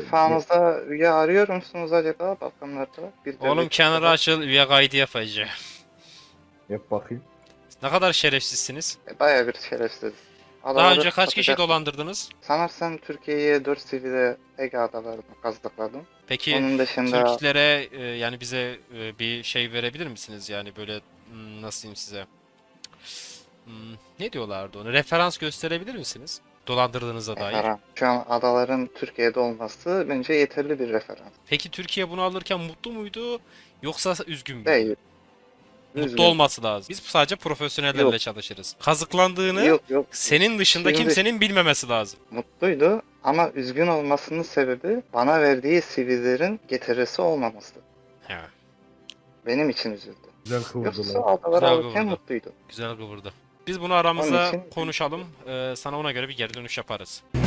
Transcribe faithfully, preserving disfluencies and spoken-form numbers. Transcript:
İrfanınızda üye arıyor musunuz acaba bakanlarda? Bir Oğlum devlet kenara olarak. açıl, üye kaydı yapacağım. Yap bakayım. Ne kadar şerefsizsiniz. E, Bayağı bir şerefsiz. Daha Adaları önce kaç kişi satacaksın. dolandırdınız? Sanırsam Türkiye'ye dört seviyede Ege adalarını kazıkladım. Peki Onun dışında Türklere e, yani bize e, bir şey verebilir misiniz? Yani böyle hmm, nasıl diyeyim size? Hmm, ne diyorlardı onu? Referans gösterebilir misiniz? Dolandırdığınıza dair. referans. Şu an adaların Türkiye'de olması bence yeterli bir referans. Peki Türkiye bunu alırken mutlu muydu yoksa üzgün müydü? Değil. Mutlu Üzgün. olması lazım. Biz sadece profesyonellerle Yok. çalışırız. Kazıklandığını Yok yok. senin dışında Şimdi kimsenin bilmemesi lazım. mutluydu ama üzgün olmasının sebebi bana verdiği C V'lerin getirisi olmaması. He, Benim için üzüldü. Güzel Yoksa kıvırdılar. adaları güzel alırken kıvırdı. mutluydu. Güzel kıvırdı. Biz bunu Onun aramızda için konuşalım. Ee, sana ona göre bir geri dönüş yaparız.